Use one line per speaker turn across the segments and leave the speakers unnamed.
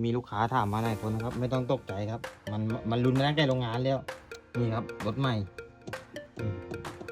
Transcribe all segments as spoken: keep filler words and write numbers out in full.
มีลูกค้าถามมาหลายคนนะครับไม่ต้องตกใจครับมันมันรุนมาตั้งแต่โรงงานแล้วนี่ครับรถใหม่อืม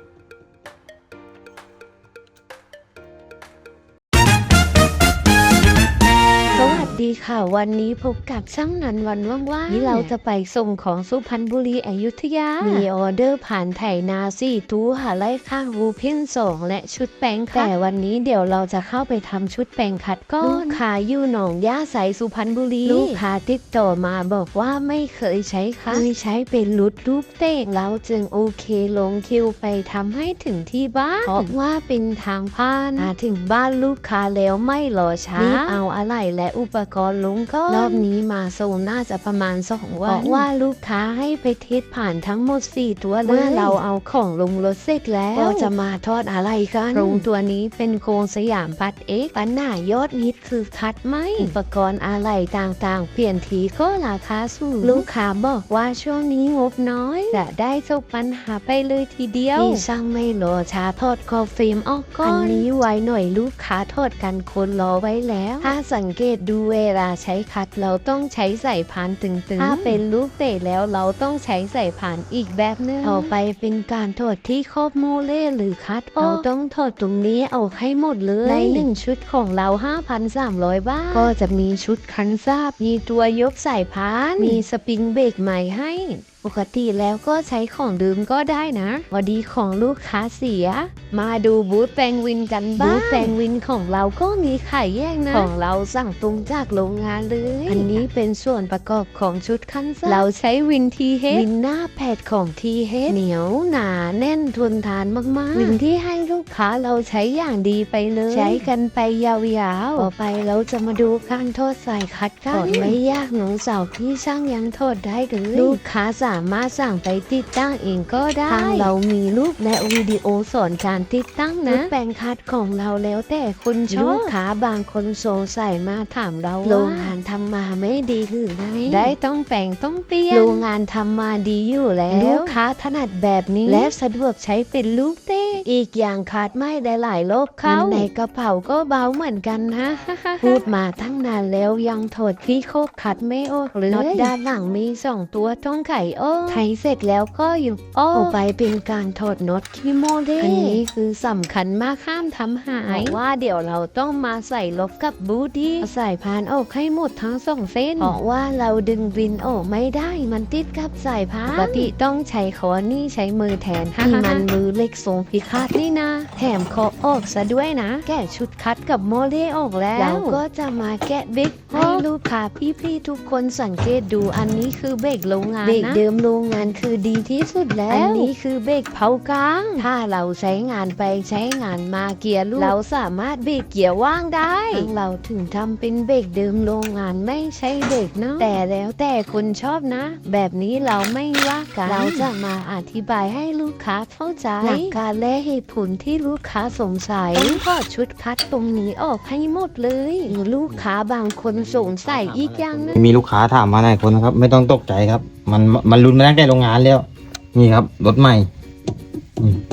สวัสดีค่ะวันนี้พบกับช่างนันวันว่างๆนี่เราจะไปส่งของสุพรรณบุรีอยุธยามีออเดอร์ผ่านไถนาสี่ตู้หาไล่ข้างรูเพี้ยนสองและชุดแปลงคัดแต่วันนี้เดี๋ยวเราจะเข้าไปทำชุดแปลงคัดก้อนลูกค้าอยู่หนองย่าใสสุพรรณบุรีลูกค้าติดต่อมาบอกว่าไม่เคยใช้ค่ะเคยใช้เป็นรุดรูปเต้งเราจึงโอเคลงคิวไปทำให้ถึงที่บ้านเพราะว่าเป็นทางผ่านมาถึงบ้านลูกค้าแล้วไม่รอช้ารีบเอาอะไรและอุปกรณ์ลงก็รอบนี้มาส่งน่าจะประมาณสองวันเพราะว่าลูกค้าให้ไปเทสผ่านทั้งหมดสี่ตัวเลยเมื่อเราเอาของลงรถเสร็จแล้วก็จะมาทอดอะไรกันโครงตัวนี้เป็นโครงสยามพัดเอ็กปัญหายอดฮิตคือคัดไหมอุปกรณ์อะไรต่างๆเปลี่ยนทีก็ราคาสูงลูกค้าบอกว่าช่วงนี้งบน้อยจะได้จบปัญหาไปเลยทีเดียวที่ช่างไม่รอช้าทอดคอฟิล์มออกก่อนอันนี้ไว้หน่อยลูกค้าทอดกันคนรอไว้แล้วถ้าสังเกตดูเวลาใช้คัดเราต้องใช้ใส่พานตึงๆถ้าเป็นลูกเตะแล้วเราต้องใช้ใส่พานอีกแบบนึงต่อไปเป็นการถอดที่ครอบโมเล่หรือคัดเราต้องถอดตรงนี้เอาให้หมดเลยในหนึ่งชุดของเรา ห้าพันสามร้อย บาทก็จะมีชุดคันซาบมีตัวยกใส่พานมีสปริงเบรกใหม่ให้ปกติแล้วก็ใช้ของดื่มก็ได้นะพอดีของลูกค้าเสียมาดูบูธแปลงวินกันบ้างบูธแปลงวินของเราก็มีขายแยกนะของเราสั่งตรงจากโรงงานเลยอันนี้เป็นส่วนประกอบของชุดคันซ่าเราใช้วินทีเฮดวินหน้าแผดของทีเฮดเหนียวหนาแน่นทนทานมากๆวินที่ให้ลูกค้าเราใช้อย่างดีไปเลยใช้กันไปยาวๆต่อไปเราจะมาดูการทอดสายคัดกันไม่ยากหนูสาวพี่ช่างยังทอดได้เลยลูกค้าสามารถสั่งไปติดตั้งเองก็ได้ทางเรามีรูปและวิดีโอสอนการติดตั้งนะแปลงคัดของเราแล้วแต่คนชอบลูกค้าบางคนสงสัยมาถามเราโรงงานทำมาไม่ดีหรือไงได้ต้องแปลงต้องเปลี่ยนโรงงานทำมาดีอยู่แล้วลูกค้าถนัดแบบนี้และสะดวกใช้เป็นลูกเต้อีกอย่างคัดไม่ได้หลายรอบเข้าในกระเป๋าก็เบาเหมือนกันนะพูดมาตั้งนานแล้วยังถอดที่โคกคัดไม่ออกเลยน็อตด้านหลังมีสองตัวต้องไขออกไขเสร็จแล้วก็อยู่อ้อไปเป็นการถอดน็อตที่โมเดลอันนี้คือสำคัญมากห้ามทำหายว่าเดี๋ยวเราต้องมาใส่ลบกับบูดี้ใส่พานออกให้หมดทั้งสองเส้นเพราะว่าเราดึงวินออกไม่ได้มันติดกับสายพานปกติต้องใช้ขอนี่ใช้มือแทนที่มันมือเล็กทรงพิฆาตนี่นะแถมขอออกซะด้วยนะแกะชุดคัดกับโมเดลออกแล้วเราก็จะมาแกะเบรกให้ลูกค้าพี่ๆทุกคนสังเกตดูอันนี้คือเบรกโรงงานนะเบรกเดิมโรงงานคือดีที่สุดแล้วอันนี้คือเบรกเผากลางถ้าเราใช้งานไปใช้งานมาเกียร์ลูกเราสามารถเบรกเกียร์ว่างได้เราถึงทำเป็นเบรกเดิมโรงงานไม่ใช่เบรกเนาะแต่แล้วแต่คนชอบนะแบบนี้เราไม่ว่ากันเราจะมาอธิบายให้ลูกค้าเข้าใจหลักการและเหตุผลที่ลูกค้าสงสัยต้องถอดชุดคัดตรงนี้ออกให้หมดเลยหรือลูกค้าบางคนสงสัยอีกอย่างนึง
มีลูกค้าถามมาหลายคนนะครับไม่ต้องตกใจครับมันมันรุนมาตั้งแต่โรงงานแล้วนี่ครับรถใหม่อืม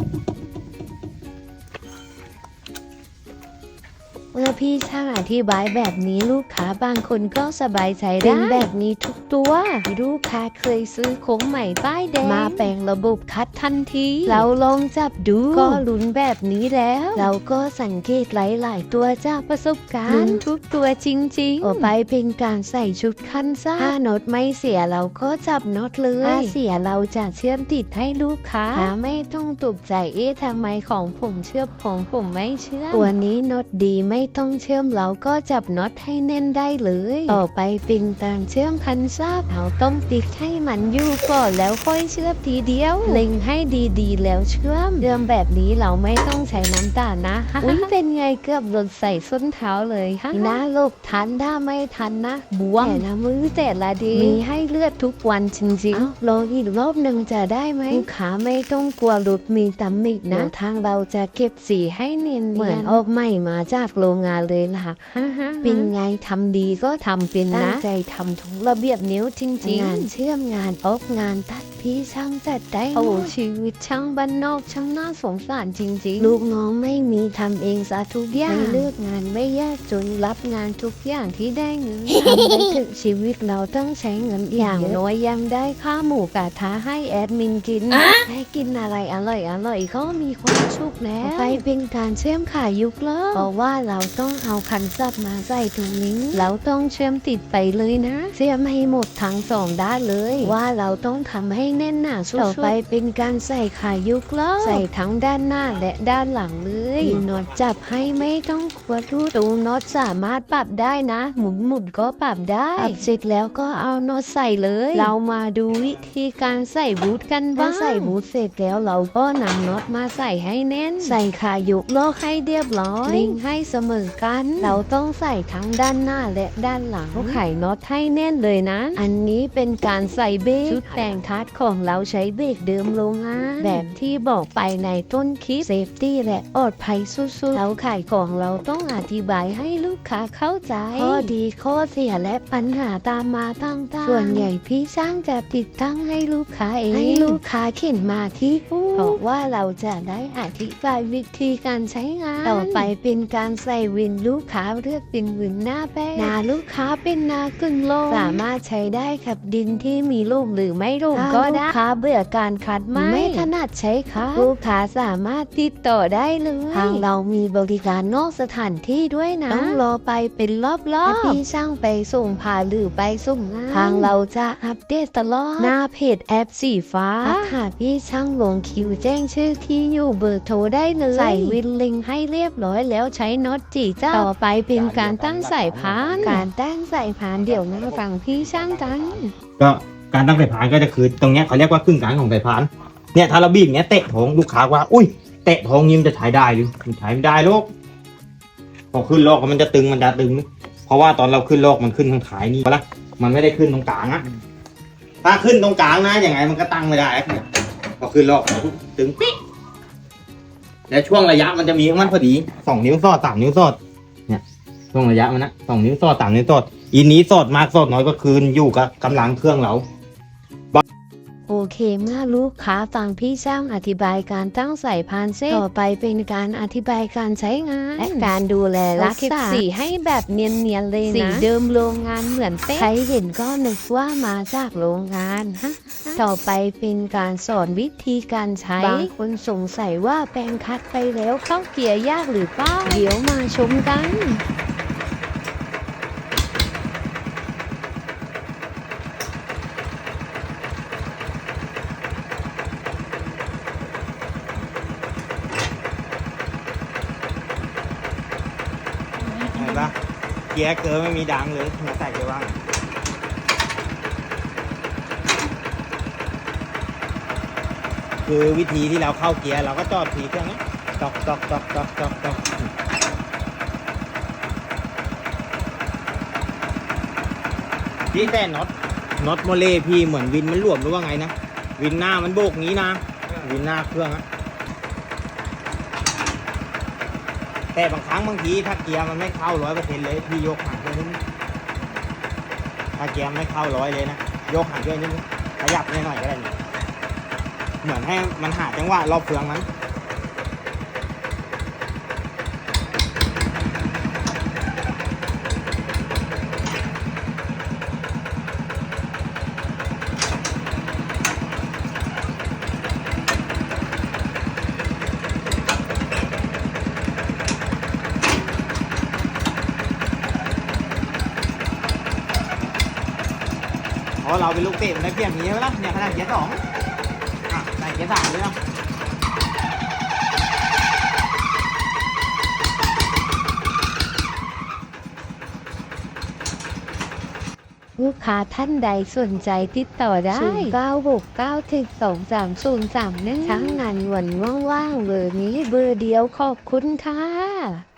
เมื่อพี่ช่างอธิบายแบบนี้ลูกค้าบางคนก็สบายใจได้เป็นแบบนี้ทุกตัวลูกค้าเคยซื้อโค้งใหม่ป้ายแดงมาแปลงระบบคัดทันทีเราลองจับดูก็ลุ้นแบบนี้แล้วเราก็สังเกตหลายๆตัวจากประสบการณ์ทุกตัวจริงๆต่อไปเป็นการใส่ชุดคันซ่าถ้าน็อตไม่เสียเราก็จับน็อตเลยถ้าเสียเราจะเชื่อมติดให้ลูกค้าไม่ต้องตกใจเอ๊ะทำไมของผมเชื่อมของผมไม่เชื่อมตัวนี้น็อตดีไม่ต้องเชื่อมเราก็จับน็อตให้แน่นได้เลยต่อไปเป็นการเชื่อมคันซาบเราต้องติดให้มันอยู่ก่อนแล้วค่อยเชื่อมทีเดียวเล็งให้ดีๆแล้วเชื่อมเชื่อมแบบนี้เราไม่ต้องใช้น้ำตาลนะอุ้ยเป็นไงเกือบหล่นใส่ส้นเท้าเลยฮะนะลูกทันถ้าไม่ทันนะบวมแต่ละมือแต่ละดีมีให้เลือดทุกวันจริงๆรออีกรอบหนึ่งจะได้ไหมลูกค้าไม่ต้องกลัวหลุดมีตำหนินะทางเราจะเก็บสีให้เนียนเหมือนออกใหม่มาจากโรงงานเลยล่ะเป็นไงทำดีก็ทำเป็นนะตั้งใจทำทุกระเบียบนิ้วจริงๆงานเชื่อมงานออกงานตัดพี่ช่างจัดได้โอ้ชีวิตช่างบ้านนอกช่างน่าสงสารจริงๆลูกน้องไม่มีทำเองซะทุกอย่างไม่เลือกงานไม่ยากจนรับงานทุกอย่างที่ได้เงิน ทำได้ถึงชีวิตเราต้องใช้เงินอย่างน้อยยังได้ค่าหมูกระทะให้แอดมินกินให้กินอะไรอร่อยอร่อยก็มีความสุขแล้วไปเป็นการเชื่อมขายุกเลิกเพราะว่าเราต้องเอาคันสับมาใส่ตรงนี้เราต้องเชื่อมติดไปเลยนะเชื่อมให้หมดทั้งสองด้านเลยว่าเราต้องทำให้แน่นหนาสุดต่อไปเป็นการใส่ขายุกเลิกใส่ทั้งด้านหน้าและด้านหลังเลยน็อตจับให้ไม่ต้องขวดรูตูน็อตสามารถปรับได้นะหมุนหมุนก็ปรับได้ปรับเสร็จแล้วก็เอาน็อตใส่เลยเรามาดูวิธีการใส่บูทกันบ้างใส่บูทเสร็จแล้วเราก็นำน็อตมาใส่ให้แน่นใส่ขายุกโลกให้เรียบร้อยลิงให้เสมอกันเราต้องใส่ทั้งด้านหน้าและด้านหลังไขน็อตให้แน่นเลยนะอันนี้เป็นการใส่เบรกชุดแปลงทัดของเราใช้เบรกเดิมโรงงานแบบที่บอกไปในต้นคลิปเซฟตี้และปลอดภัยสุดๆเราขายของเราต้องอธิบายให้ลูกค้าเข้าใจข้อดีข้อเสียและปัญหาตามมาต่างๆส่วนใหญ่พี่ช่างจะติดตั้งให้ลูกค้าเองให้ลูกค้าเข็นมาที่ตู้เพราะว่าเราจะได้อธิบายวิธีการใช้งานต่อไปเป็นการใส่วินลูกค้าเลือกเป็นวินหน้าแป้งหน้าลูกค้าเป็นหน้ากึ่งโล่งสามารถใช้ได้กับดินที่มีลูกหรือไม่ลูกก็ได้ลูกค้าเบื่อการคัดไม้ไม่ถนัดใช้ค่ะลูกค้าสามารถติดต่อได้เลยทางเรามีบริการนอกสถานที่ด้วยนะต้องรอไปเป็นรอบๆพี่ช่างไปส่งผ่าหรือไปส่งงานทางเราจะอัปเดตตลอดหน้าเพจแอปสีฟ้าหากพี่ช่างลงคิวแจ้งชื่อที่อยู่เบอร์โทรได้เลยใส่วินลิงให้เรียบร้อยแล้วใช้น็อตจีเจ้าต่อไปเป็นการตั้งสายพานการตั้งสายพานเดี๋ยวมาฟังพี่ช่างกัน
ก็การตั้งสายพานก็จะคือตรงเนี้ยเขาเรียกว่าครึ่งกลางของสายพานเนี่ยถ้าเราบีบเนี้ยเตะท้องลูกค้าว่าอุ้ยเตะท้องยิ้มจะใช้ได้หรือมันใช้ไม่ได้ลูกพอขึ้นโลกมันจะตึงมันจะตึงเพราะว่าตอนเราขึ้นโลกมันขึ้นทางขายนี่ละมันไม่ได้ขึ้นตรงกลางอะถ้าขึ้นตรงกลางนะอย่างไงมันก็ตั้งไม่ได้เนี่ยพอขึ้นโลกตึงปิ๊กและช่วงระยะมันจะมีของมันพอดีสองนิ้วสอดสามนิ้วสอดเนี่ยช่วงระยะมันนะสองนิ้วสอดสามนิ้วสอดอีนี้สอดมากสอดน้อยก็คืนอยู่กับกำลังเครื่องเรา
โอเคเมื่อลูกค้าฟังพี่ช่างอธิบายการตั้งสายพานเสร็จต่อไปเป็นการอธิบายการใช้งานและการดูแลรักษาสีให้แบบเนียนๆเลยนะสีเดิมโรงงานเหมือนเป๊ะใครเห็นก็นึกว่ามาจากโรงงานฮะต่อไปเป็นการสอนวิธีการใช้บางคนสงสัยว่าแปรงคัดไปแล้วเข้าเกียร์ยากหรือเปล่าเดี๋ยวมาชมกัน
เกียร์เกินไม่มีดังเลยมาใส่ไปว่างคือวิธีที่เราเข้าเกียร์เราก็จอดทีเครื่องนี้ตอกตอกตอกตอกตอกตอกพี่แต่น็อตน็อตโมเลพี่เหมือนวินมันหลวมหรือว่าไงนะวินหน้ามันโบกงี้นะวินหน้าเครื่องอะแต่บางครั้งบางทีถ้าเกียร์มันไม่เข้าร้อยเปอร์เซ็นต์เลยพี่ยกห่างขึ้นนิดนึงถ้าเกียร์ไม่เข้าร้อยเลยนะยกห่างขึ้นนิดนึงขยับนิดหน่อยก็ได้เหมือนให้มันหาจังหวะรอบเฟืองมันเพราะเราเป็นลูกเตะมันได้เปรียบอย่างนี้ไหมล่ะเนี่ยขนาดเกียร์สองอ่ะใส่เกียร์สามเลยเนาะ
ลูกค้าท่านใดสนใจติดต่อได้ ศูนย์ เก้า หก เก้า หนึ่ง สอง สาม ศูนย์ สาม หนึ่ง ทั้งงานวันว่างๆเบอร์นี้เบอร์เดียวขอบคุณค่ะ